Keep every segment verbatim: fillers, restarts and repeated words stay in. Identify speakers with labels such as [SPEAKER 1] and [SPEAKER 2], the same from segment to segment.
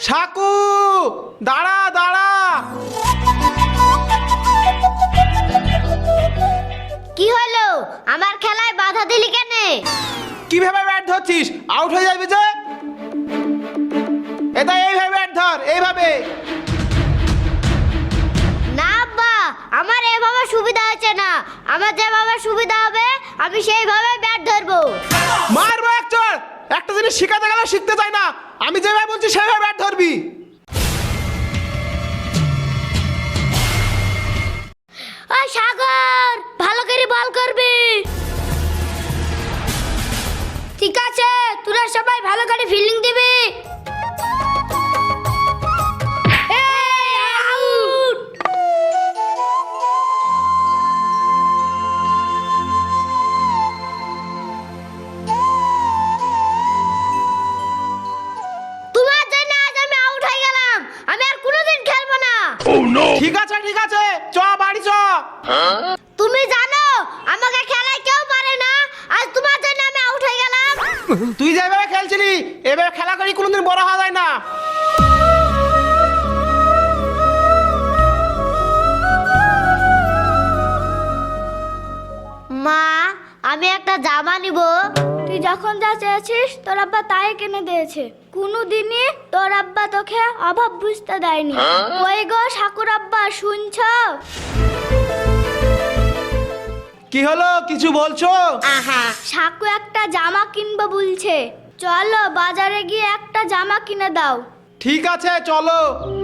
[SPEAKER 1] সাকু, দাঁড়া দাঁড়া।
[SPEAKER 2] কি হলো? আমার খেলায় বাধা দিলি কেন?
[SPEAKER 1] কিভাবে ব্যাট ধরছিস? আউট হয়ে যাবি যে। এটা এইভাবে ব্যাট ধর, এইভাবে।
[SPEAKER 2] না আব্বা, আমার এভাবে সুবিধা হচ্ছে না। আমার যেভাবে সুবিধা হবে আমি সেইভাবে ব্যাট ধরবো।
[SPEAKER 1] মারবো এক চড়। একটা জিনিস শিখাতে গেলে শিখতে চাই না। আমি যেভাবে বলছি সেভাবে ব্যাট ধরবি।
[SPEAKER 2] ওই সাগর, ভালো করে বল করবি। ঠিক আছে, তোরা সবাই ভালো করে ফিল্ডিং দিবি। এই, আউট। তোমার জন্য আজ আমি আউট হয়ে গেলাম। আমি আর কোনোদিন খেলবো না।
[SPEAKER 1] ঠিক আছে ঠিক আছে, চ বাড়ি চ।
[SPEAKER 2] তুমি জানো আমাকে খেলায় কেউ পারে না। আজ তোমার জন্য আমি আউট হয়ে গেলাম।
[SPEAKER 1] তুই যেভাবে খেলছিলি এভাবে খেলা করি কোনোদিন বড় হওয়া যায় না।
[SPEAKER 2] মা, আমি একটা জামা নিব। তুই যখন যা চেয়েছিস তোর আব্বা তাই কিনে দিয়েছে। কোনোদিনই তোর আব্বা তোকে অভাব বুঝতে দেয়নি। ওই গো ঠাকুর আব্বা, শুনছো?
[SPEAKER 1] কি হলো, কিছু বলছো?
[SPEAKER 2] সাকু একটা জামা কিনবো বলছে। চলো বাজারে গিয়ে একটা জামা কিনে দাও।
[SPEAKER 1] ঠিক আছে চলো।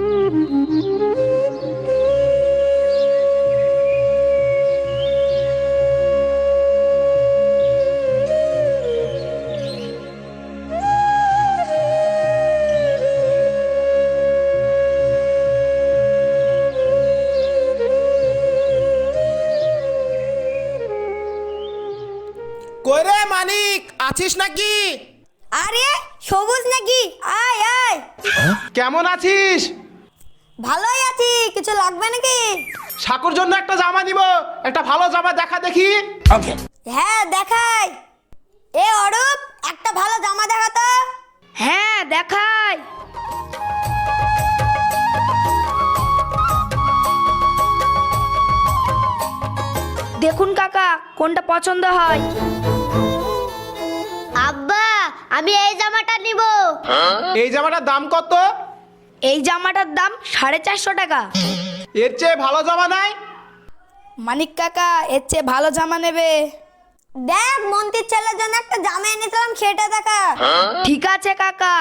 [SPEAKER 1] কই রে মানিক, আছিস নাকি?
[SPEAKER 3] আরে সবুজ নাকি? আয় আয়।
[SPEAKER 1] কেমন আছিস?
[SPEAKER 3] ভালোই আছি, কিছু লাগবে নাকি?
[SPEAKER 1] সাকুর জন্য একটা জামা নিব। একটা ভালো জামা দেখা দেখি।
[SPEAKER 3] হ্যাঁ দেখাই। এ অরূপ, একটা ভালো জামা দেখা তো।
[SPEAKER 2] হ্যাঁ দেখাই।
[SPEAKER 4] দেখুন কাকা, কোনটা পছন্দ হয়।
[SPEAKER 2] আব্বা, আমি এই জামাটা নিব।
[SPEAKER 1] এই জামাটার দাম কত?
[SPEAKER 4] এই জামাটার দাম সাড়ে চারশো টাকা।
[SPEAKER 1] এর চেয়ে ভালো জামা নাই?
[SPEAKER 4] মানিক কাকা, এর চেয়ে ভালো জামা নেবে।
[SPEAKER 3] দেখ, মন্ত্রীর ছেলের জন্য একটা জামা এনেছিলাম, সেটা দেখা।
[SPEAKER 4] ঠিক আছে কাকা।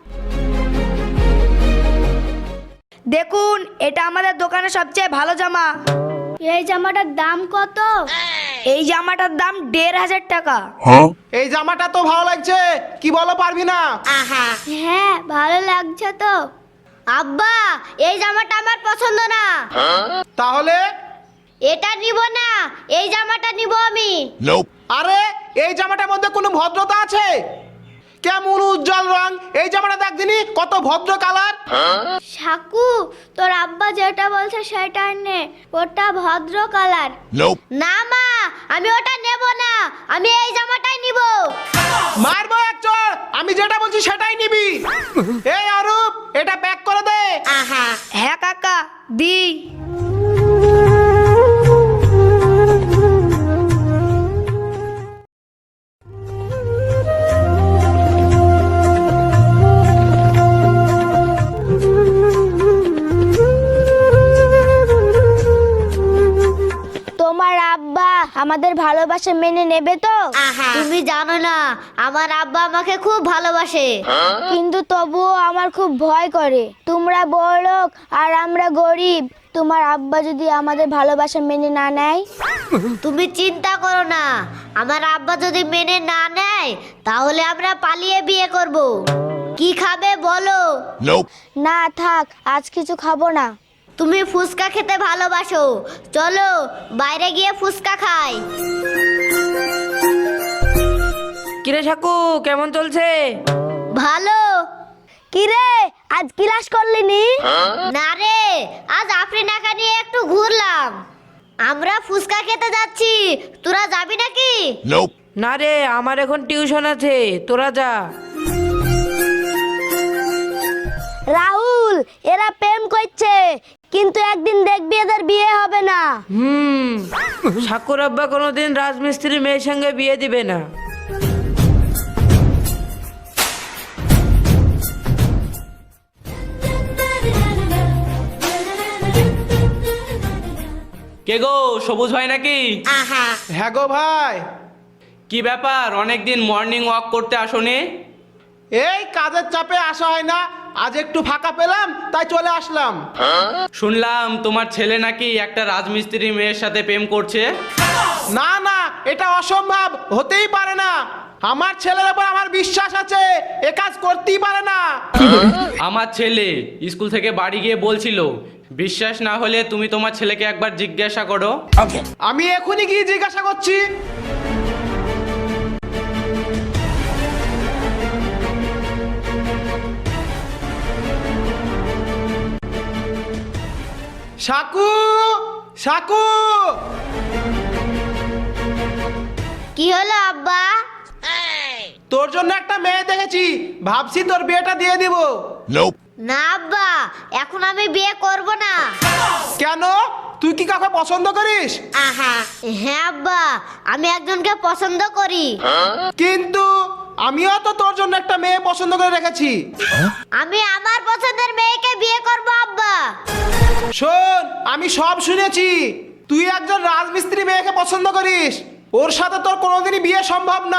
[SPEAKER 4] দেখুন, এটা আমাদের দোকানের সবচেয়ে ভালো জামা।
[SPEAKER 2] এই জামাটার দাম কত?
[SPEAKER 4] এই জামাটার দাম দেড় হাজার টাকা।
[SPEAKER 1] এই জামাটা তো ভালো লাগছে, কি বলো পারবি না?
[SPEAKER 2] হ্যাঁ ভালো লাগছে তো। আব্বা, এই জামাটা আমার পছন্দ না।
[SPEAKER 1] তাহলে?
[SPEAKER 2] এটা নিব না, এই জামাটা নিব আমি।
[SPEAKER 1] আরে এই জামাটার মধ্যে কোনো ভদ্রতা আছে? কেমন উজ্জ্বল রং! এই জামাটা দেখ দিনি, কত ভদ্র কালার।
[SPEAKER 2] সাকু, তোর আব্বা যেটা বলছে সেটা নে, ওটা ভদ্র কালার। না মা, আমি ওটা নেব না, আমি এই জামাটাই নিব।
[SPEAKER 1] মারবো এক চড়। আমি যেটা বলছি সেটাই নিবি। এই অরূপ, এটা প্যাক করে দে।
[SPEAKER 4] হ্যাঁ কাকা, দি।
[SPEAKER 2] তোমার আব্বা আমাদের ভালোবাসা মেনে নেবে তো? তুমি জানো না, আমার আব্বা আমাকে খুব ভালোবাসে। কিন্তু তবুও আমার খুব ভয় করে। তোমরা বড়লোক আর আমরা গরিব। তোমার আব্বা যদি আমাদের ভালোবাসা মেনে না নেয়? তুমি চিন্তা করো না, আমার আব্বা যদি মেনে না নেয় তাহলে আমরা পালিয়ে বিয়ে করব। কি খাবে বলো? না থাক, আজ কিছু খাবো না। তুমি ফুচকা খেতে ভালোবাসো, চলো বাইরে গিয়ে ফুচকা খাই।
[SPEAKER 4] কিরে সাকু, কেমন চলছে?
[SPEAKER 2] ভালো। কিরে, আজ ক্লাস করলি নি? না রে, আজ আফরিনাকে নিয়ে একটু ঘুরলাম। আমরা ফুচকা খেতে যাচ্ছি, তোরা যাবি নাকি?
[SPEAKER 4] না রে, আমার এখন টিউশন আছে, তোরা যা।
[SPEAKER 2] রাহুল, এরা প্রেম করছে, কিন্তু একদিন দেখবি এদের বিয়ে হবে না।
[SPEAKER 5] হুম ঠাকুর আব্বা কোনোদিন রাজমিস্ত্রি মেয়ের সঙ্গে বিয়ে দিবে না।
[SPEAKER 6] কে গো, সবুজ ভাই নাকি?
[SPEAKER 1] হ্যাঁ গো ভাই।
[SPEAKER 6] কি ব্যাপার, অনেকদিন মর্নিং ওয়াক করতে আসোনি?
[SPEAKER 1] এই কাজের চাপে আসা হয় না, আজ একটু ফাঁকা পেলাম তাই চলে আসলাম।
[SPEAKER 6] শুনলাম তোমার ছেলে নাকি একটা রাজমিস্ত্রি মেয়ের সাথে প্রেম করছে।
[SPEAKER 1] না না, এটা অসম্ভব, হতেই পারে না। আমার ছেলের উপর আমার বিশ্বাস আছে, এ কাজ করতেই পারে না।
[SPEAKER 6] আমার ছেলে স্কুল থেকে বাড়ি গিয়ে বলছিল, বিশ্বাস না হলে তুমি তোমার ছেলেকে একবার জিজ্ঞাসা করো।
[SPEAKER 1] আমি এখনই গিয়ে জিজ্ঞাসা করছি। সাকু, সাকু।
[SPEAKER 2] কি হলো আব্বা?
[SPEAKER 1] তোর জন্য একটা মেয়ে দেখেছি, ভাবছি তোর বিয়েটা দিয়ে দিব।
[SPEAKER 2] না আব্বা, এখন আমি বিয়ে করব না।
[SPEAKER 1] কেন, তুই কি কাউকে পছন্দ করিস?
[SPEAKER 2] হ্যাঁ আব্বা, আমি একজনকে পছন্দ করি।
[SPEAKER 1] কিন্তু আমিও তো তোর জন্য একটা মেয়ে পছন্দ করে রেখেছি।
[SPEAKER 2] আমি আমার পছন্দের মেয়েকে বিয়ে করব আব্বা।
[SPEAKER 1] শোন, আমি সব শুনেছি, তুই একজন রাজমিস্ত্রি মেয়েকে পছন্দ করিস, ওর সাথে তোর কোনোদিনই বিয়ে সম্ভব না।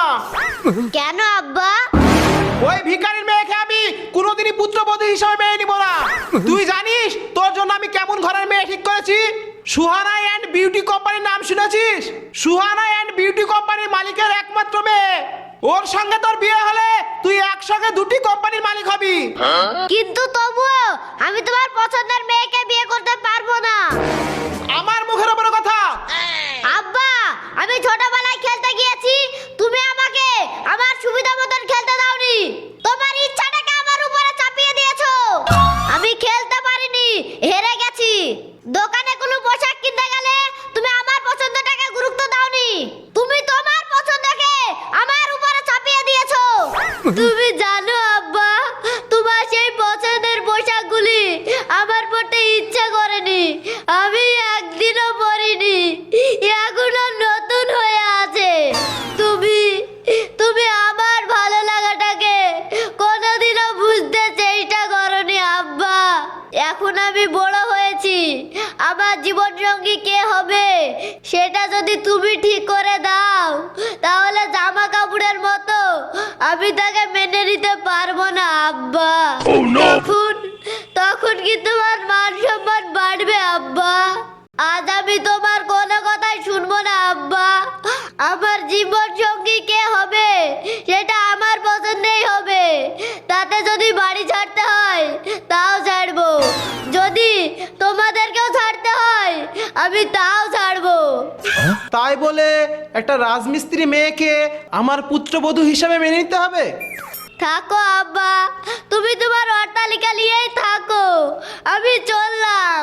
[SPEAKER 2] কেন আব্বা?
[SPEAKER 1] ওই ভিখারির মেয়েকে আমি কোনোদিনই পুত্রবধূ হিসেবে মেনে নিব না। তুই জানিস তোর জন্য আমি কেমন ঘরের মেয়ে ঠিক করেছি? সুহানা অ্যান্ড বিউটি কোম্পানির নাম শুনেছিস? সুহানা অ্যান্ড বিউটি কোম্পানির মালিকের একমাত্র মেয়ে। ওর সঙ্গে তোর বিয়ে হলে তুই একসঙ্গে দুটি কোম্পানির মালিক হবি।
[SPEAKER 2] কিন্তু তবুও আমি তোমার পছন্দের মেয়েকে বিয়ে করতে পারবো না।
[SPEAKER 1] আমার মুখের উপরে কথা।
[SPEAKER 2] আব্বা, আমি ছোটবেলায় খেলতে গিয়েছি, তুমি আমাকে আমার সুবিধা মতন খেলতে দাওনি, তোমার ইচ্ছাটাকে আমার উপরে চাপিয়ে দিয়েছো। আমি খেলতে পারিনি, হেরে গেছি। দোকানে কোনো পোশাক কিনতে গেলে তুমি আমার পছন্দটাকে গুরুত্ব দাওনি, তুমি তোমার পছন্দকে আমার উপরে চাপিয়ে দিয়েছো। তুমি জানো আব্বা, তোমার সেই পছন্দের পোশাকগুলি আমার পরতে ইচ্ছা করেনি, আমি একদিনও পরিনি, এখনো নতুন হয়ে আছে। তুমি তুমি আমার ভালো লাগাটাকে কোনোদিনও বুঝতে চেষ্টা করনি আব্বা। এখন আমি বড় হয়েছি, আমার জীবন সঙ্গী কে হবে সেটা যদি তুমি ঠিক করে দাও, তাহলে জামা কাপড়ের মতো আমি তাকে মেনে নিতে পারবো না আব্বা। তখন তখন কি তোমার মান সম্মান বাড়বে আব্বা? আজ আমি তোমার কোনো কথাই শুনবো না আব্বা। আমার জীবন সঙ্গী কে হবে সেটা আমার পছন্দেই হবে, তাতে যদি বাড়ি ছাড়তে হয় তাও ছাড়বো, যদি তোমাদেরকেও ছাড়তে হয় আমি তাও ছাড়বো।
[SPEAKER 1] তাই বলে একটা রাজমিস্ত্রি মেয়েকে আমার পুত্রবধূ হিসেবে মেনে নিতে হবে?
[SPEAKER 2] থাকো আব্বা, তুমি তোমার অট্টালিকা নিয়েই থাকো, আমি চললাম।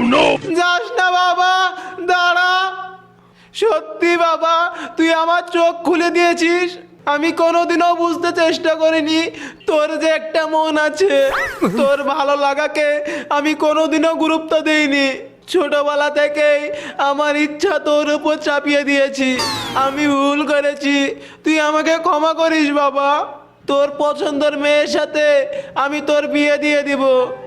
[SPEAKER 1] যাস না বাবা, দাঁড়া। সত্যি বাবা, তুই আমার চোখ খুলে দিয়েছিস। আমি কোনোদিনও বুঝতে চেষ্টা করিনি তোর যে একটা মন আছে। তোর ভালো লাগাকে আমি কোনোদিনও গুরুত্ব দেইনি। ছোটবেলা থেকেই আমার ইচ্ছা তোর উপর চাপিয়ে দিয়েছি। আমি ভুল করেছি, তুই আমাকে ক্ষমা করিস বাবা। তোর পছন্দের মেয়ের সাথে আমি তোর বিয়ে দিয়ে দিব।